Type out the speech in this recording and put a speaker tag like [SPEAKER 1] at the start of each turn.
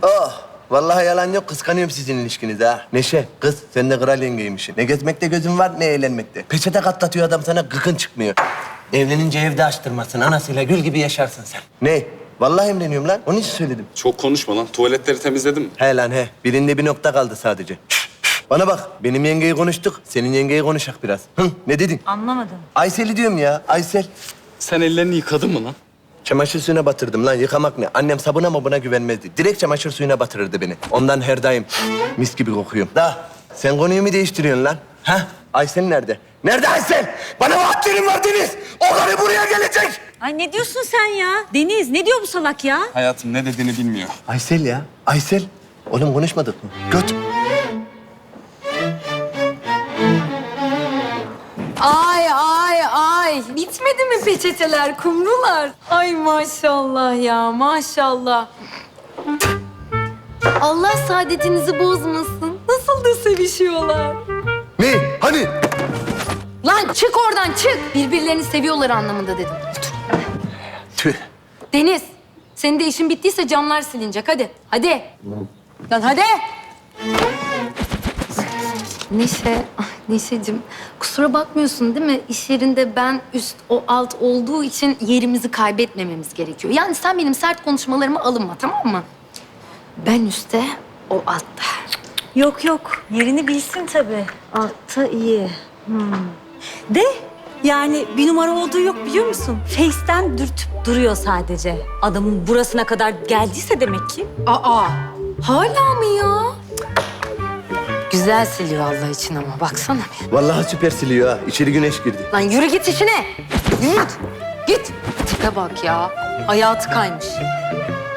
[SPEAKER 1] Oh! Vallahi yalan yok, kıskanıyorum sizin ilişkinizi ha. Neşe, kız sen de kral yengeymişsin. Ne gezmekte gözün var, ne eğlenmekte. Peçete katlatıyor adam sana, gıkın çıkmıyor. Evlenince evde açtırmasın, anasıyla gül gibi yaşarsın sen. Ne? Vallahi emreniyorum lan, onun için söyledim.
[SPEAKER 2] Çok konuşma lan. Tuvaletleri temizledim.
[SPEAKER 1] He lan he, birinde bir nokta kaldı sadece. Bana bak, benim yengeyi konuştuk, senin yengeyi konuşak biraz. Hı, ne dedin?
[SPEAKER 3] Anlamadım.
[SPEAKER 1] Aysel'i diyorum ya, Aysel.
[SPEAKER 2] Sen ellerini yıkadın mı lan?
[SPEAKER 1] Çamaşır suyuna batırdım lan, yıkamak ne? Annem sabuna mabuna güvenmezdi. Direkt çamaşır suyuna batırırdı beni. Ondan her daim mis gibi kokuyorum. Da sen konuyu mu değiştiriyorsun lan? Ha? Aysel nerede? Nerede Aysel? Bana vaatlerin var Deniz. O karı buraya gelecek.
[SPEAKER 3] Ay ne diyorsun sen ya? Deniz ne diyor bu salak ya?
[SPEAKER 2] Hayatım ne dediğini bilmiyor.
[SPEAKER 1] Aysel ya, Aysel. Oğlum konuşmadık mı? Göt.
[SPEAKER 4] Ay. Bitmedi mi peçeteler, kumrular? Ay maşallah ya, maşallah. Allah saadetinizi bozmasın. Nasıl da sevişiyorlar.
[SPEAKER 1] Ne? Hani?
[SPEAKER 4] Lan çık oradan, çık. Birbirlerini seviyorlar anlamında dedim. Otur.
[SPEAKER 1] Tüh.
[SPEAKER 4] Deniz, senin de işin bittiyse camlar silinecek. Hadi, hadi. Lan hadi. Neşeciğim, kusura bakmıyorsun değil mi? İş yerinde ben üst, o alt olduğu için yerimizi kaybetmememiz gerekiyor. Yani sen benim sert konuşmalarıma alınma, tamam mı? Ben üstte, o altta.
[SPEAKER 3] Yok yerini bilsin tabii. Altta iyi. De yani bir numara olduğu yok biliyor musun? Face'ten dürtüp duruyor sadece. Adamın burasına kadar geldiyse demek ki.
[SPEAKER 4] Aa, hala mı ya? Güzel siliyor Allah için ama baksana.
[SPEAKER 1] Vallahi süper siliyor ha. İçeri güneş girdi.
[SPEAKER 4] Lan yürü git işine. Yürü git. Git. Tipe bak ya. Hayatı kaymış.